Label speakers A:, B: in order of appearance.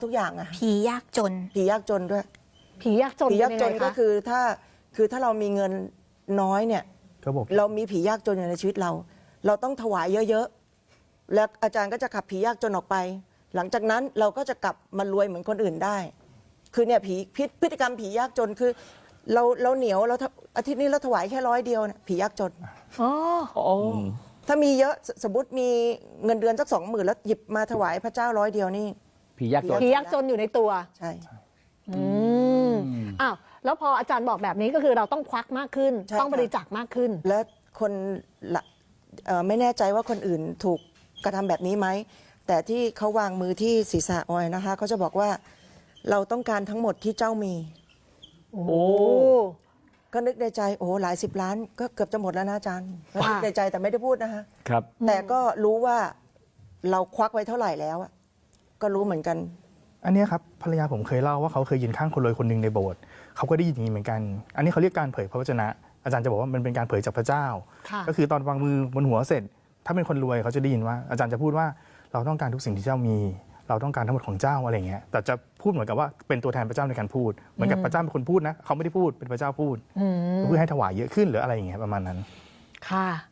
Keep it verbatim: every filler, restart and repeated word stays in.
A: ทุกอย่างอะ
B: ผียากจน
A: ผียากจนด้วย
C: ผียากจน
A: ผียากจนก็คือถ้าคือถ้าเรามีเงินน้อยเนี่ยเรามีผียากจนอยู่ในชีวิตเรา เราต้องถวายเยอะๆแล้วอาจารย์ก็จะขับผียากจนออกไป หลังจากนั้นเราก็จะกลับมารวยเหมือนคนอื่นได้ คือเนี่ยผีพฤติกรรมผียากจนคือเราเราเหนียวเราอาทิตย์นี้เราถวายแค่ร้อยเดียวนะผียากจน
C: อ๋อ
A: ถ้ามีเยอะสมมติมีเงินเดือนสักสองหมื่นแล้วหยิบมาถวายพระเจ้าร้อยเดียวนี่
D: ผียากจน
C: ผียากจนอยู่ในตัว
A: ใช่
C: อืมอ้าวแล้วพออาจารย์บอกแบบนี้ก็คือเราต้องควักมากขึ้นต้องบริจาคมากขึ้น
A: และคนละไม่แน่ใจว่าคนอื่นถูกกระทำแบบนี้ไหมแต่ที่เขาวางมือที่ศีรษะออยนะคะเขาจะบอกว่าเราต้องการทั้งหมดที่เจ้ามี
C: โอ้
A: ก็นึกในใจโอ้หลายสิบล้านก็เกือบจะหมดแล้วนะอาจารย์นึกในใจแต่ไม่ได้พูดนะคะ
D: ครับ
A: แต่ก็รู้ว่าเราควักไว้เท่าไหร่แล้วก็รู้เหมือนกัน
E: อันนี้ครับภรรยาผมเคยเล่าว่าเขาเคยยืนข้างคนรวยคนหนึ่งในโบสถ์เขาก็ได้ยินอย่างนี้เหมือนกันอันนี้เขาเรียกการเผยพระวจนะอาจารย์จะบอกว่ามันเป็นการเผยจากพระเจ้าก็คือตอนวางมือบนหัวเสร็จถ้าเป็นคนรวยเขาจะได้ยินว่าอาจารย์จะพูดว่าเราต้องการทุกสิ่งที่เจ้ามีเราต้องการทั้งหมดของเจ้าอะไรเงี้ยแต่จะพูดเหมือนกับว่าเป็นตัวแทนพระเจ้าในการพูดเหมือนกับพระเจ้าเป็นคนพูดนะเขาไม่ได้พูดเป็นพระเจ้าพูดเพื่อให้ถวายเยอะขึ้นหรืออะไรอย่างเงี้ยประมาณนั้น
C: ค่ะ